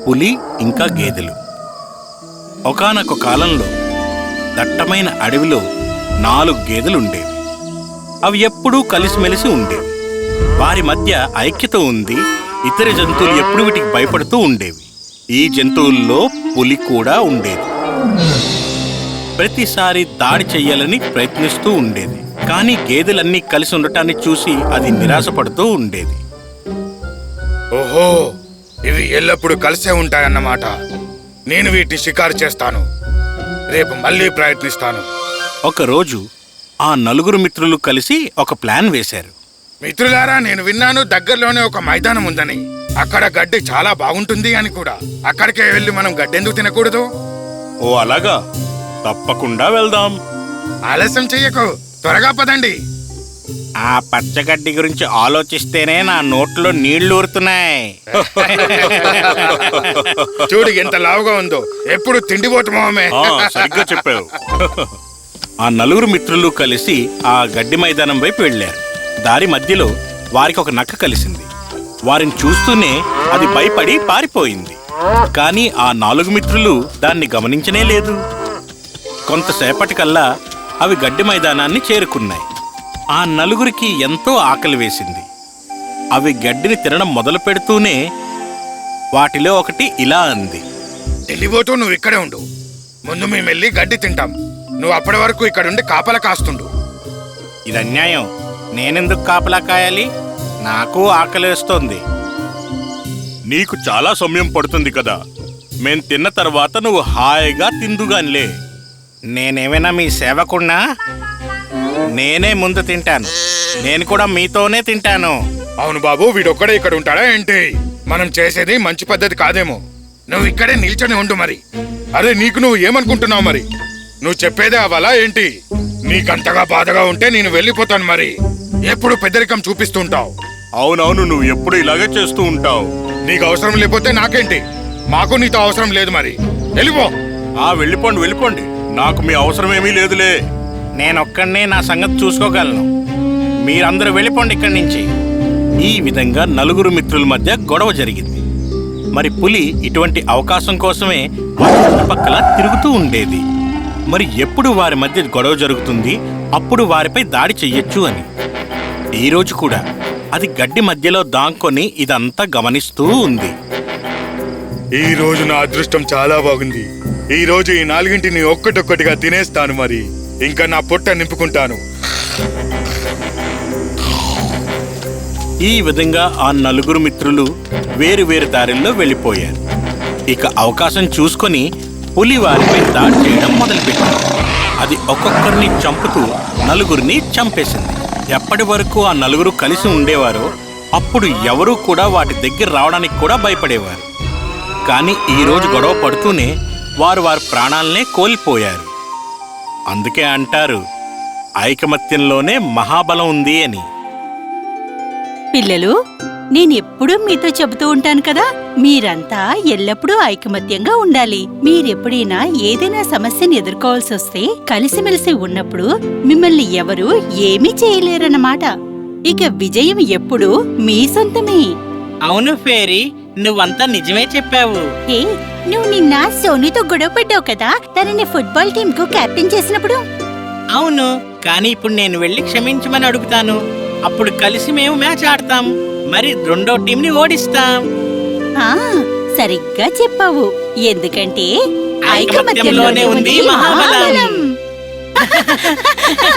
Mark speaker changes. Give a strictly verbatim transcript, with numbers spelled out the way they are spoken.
Speaker 1: పులి ఇంకా గేదెలు. ఒకానొక కాలంలో దట్టమైన అడవిలో నాలుగు గేదెలుండేవి. అవి ఎప్పుడూ కలిసిమెలిసి ఉండేవి. వారి మధ్య ఐక్యత ఉంది. ఇతర జంతువులు ఎప్పుడు వీటికి భయపడుతూ ఉండేవి. ఈ జంతువుల్లో పులి కూడా ఉండేది. ప్రతిసారి దాడి చెయ్యాలని ప్రయత్నిస్తూ ఉండేది. కానీ గేదెలన్నీ కలిసి ఉండటాన్ని చూసి అది నిరాశపడుతూ ఉండేది.
Speaker 2: ఓహో, ఇవి ఎల్లప్పుడూ కలిసే ఉంటాయన్నమాట. నేను వీటిని షికారు చేస్తాను. రేపు మళ్ళీ ప్రయత్నిస్తాను.
Speaker 1: ఒకరోజు ఆ నలుగురు మిత్రులు కలిసి ఒక ప్లాన్ వేశారు.
Speaker 2: మిత్రులారా, నేను విన్నాను దగ్గరలోనే ఒక మైదానం ఉందని. అక్కడ గడ్డి చాలా బాగుంటుంది అని కూడా. అక్కడికే వెళ్ళి మనం గడ్డెందుకు తినకూడదు?
Speaker 1: ఓ అలాగా, తప్పకుండా వెళ్దాం.
Speaker 2: ఆలస్యం చెయ్యకు, త్వరగా పదండి.
Speaker 1: ఆ పచ్చగడ్డి గురించి ఆలోచిస్తేనే నా నోట్లో నీళ్లు ఊరుతున్నాయి.
Speaker 2: చూడు ఎంత లావుగా ఉందో. ఎప్పుడు తిండిపోతున్నామే.
Speaker 1: సరిగ్గా చెప్పావు. ఆ నలుగురు మిత్రులు కలిసి ఆ గడ్డి మైదానం వైపు వెళ్లారు. దారి మధ్యలో వారికి ఒక నక్క కలిసింది. వారిని చూస్తూనే అది భయపడి పారిపోయింది. కానీ ఆ నాలుగు మిత్రులు దాన్ని గమనించనే లేదు. కొంతసేపటికల్లా అవి గడ్డి మైదానాన్ని చేరుకున్నాయి. ఆ నలుగురికి ఎంతో ఆకలి వేసింది. అవి గడ్డిని తినడం మొదలు పెడుతూనే వాటిలో ఒకటి ఇలా అంది.
Speaker 2: తిండిపోతూ నువ్వు ఇక్కడే ఉండు. ముందు మేము వెళ్ళి గడ్డి తింటాం. నువ్వు అప్పటి వరకు ఇక్కడుండి కాపలా కాస్తుండు.
Speaker 1: ఇది అన్యాయం. నేనెందుకు కాపలా కాయాలి? నాకు ఆకలేస్తోంది. నీకు చాలా సమయం పడుతుంది కదా. మేం తిన్న తర్వాత నువ్వు హాయిగా తిందుగానిలే. నేనేమైనా మీ సేవకున్నా? నేనే ముందు తింటాను. నేను కూడా మీతోనే తింటాను.
Speaker 2: అవును బాబు, వీడొక్కడే ఇక్కడ ఉంటాడా ఏంటి? మనం చేసేది మంచి పద్ధతి కాదేమో. నువ్వు ఇక్కడే నిల్చొని ఉండు. మరి అరే, నీకు నువ్వు ఏమనుకుంటున్నావు? మరి నువ్వు చెప్పేదే అవలా ఏంటి? నీకంతగా బాధగా ఉంటే నేను వెళ్ళిపోతాను. మరి ఎప్పుడు పెద్దరికం చూపిస్తుంటావు.
Speaker 1: అవునవును, నువ్వు ఎప్పుడు ఇలాగే చేస్తూ ఉంటావు.
Speaker 2: నీకు అవసరం లేకపోతే నాకేంటి? మాకు నీతో అవసరం లేదు. మరి వెళ్ళిపో.
Speaker 1: ఆ వెళ్ళిపోండి వెళ్ళిపోండి, నాకు మీ అవసరమేమీ లేదులే. నేనొక్కడినే నా సంగతి చూసుకోగలను. మీరందరూ వెళ్ళిపోండి ఇక్కడి నుంచి. ఈ విధంగా నలుగురు మిత్రుల మధ్య గొడవ జరిగింది. మరి పులి ఇటువంటి అవకాశం కోసమే వారి చుట్టుపక్కల తిరుగుతూ ఉండేది. మరి ఎప్పుడు వారి మధ్య గొడవ జరుగుతుంది, అప్పుడు వారిపై దాడి చెయ్యొచ్చు అని. ఈరోజు కూడా అది గడ్డి మధ్యలో దాంకొని ఇదంతా గమనిస్తూ ఉంది.
Speaker 2: ఈ రోజు నా అదృష్టం చాలా బాగుంది. ఈ రోజు ఈ నాలుగింటిని ఒక్కటొక్కటిగా తినేస్తాను. మరి ఇంకా నా పొట్ట నింపుకుంటాను.
Speaker 1: ఈ విధంగా ఆ నలుగురు మిత్రులు వేరు వేరు దారిల్లో వెళ్ళిపోయారు. ఇక అవకాశం చూసుకొని పులి వారిపై దాడి చేయడం మొదలుపెట్టింది. అది ఒక్కొక్కరిని చంపుతూ నలుగురిని చంపేసింది. ఎప్పటి వరకు ఆ నలుగురు కలిసి ఉండేవారో అప్పుడు ఎవరూ కూడా వాటి దగ్గర రావడానికి కూడా భయపడేవారు. కానీ ఈరోజు గొడవ పడుతూనే వారు వారి ప్రాణాలనే కోల్పోయారు. అందుకే అంటారు, ఐకమత్యంలోనే మహాబలం ఉంది అని.
Speaker 3: పిల్లలు, నేనెప్పుడూ మీతో చెబుతూ ఉంటాను కదా, మీరంతా ఎల్లప్పుడూ ఐకమత్యంగా ఉండాలి. మీరెప్పుడైనా ఏదైనా సమస్యను ఎదుర్కోవాల్సి వస్తే కలిసిమెలిసి ఉన్నప్పుడు మిమ్మల్ని ఎవరూ ఏమీ చేయలేరన్నమాట. ఇక విజయం ఎప్పుడూ మీ సొంతమే.
Speaker 4: అవును ఫేరీ, నువ్వంతా నిజమే చెప్పావు.
Speaker 3: ఏ, నువ్వు నిన్న సోనీతో గొడవపడ్డావు కదా, తనని ఫుట్బాల్ టీం కు కెప్టెన్ చేసినప్పుడు.
Speaker 4: అవును, కానీ ఇప్పుడు నేను వెళ్ళి క్షమించమని అడుగుతాను. అప్పుడు కలిసి మేము మ్యాచ్ ఆడతాం. మరి రెండో టీంని ఓడిస్తాం.
Speaker 3: ఆ, సరిగ్గా చెప్పావు. ఎందుకంటే
Speaker 4: ఐకమత్యంలోనే ఉంది మహాబలం.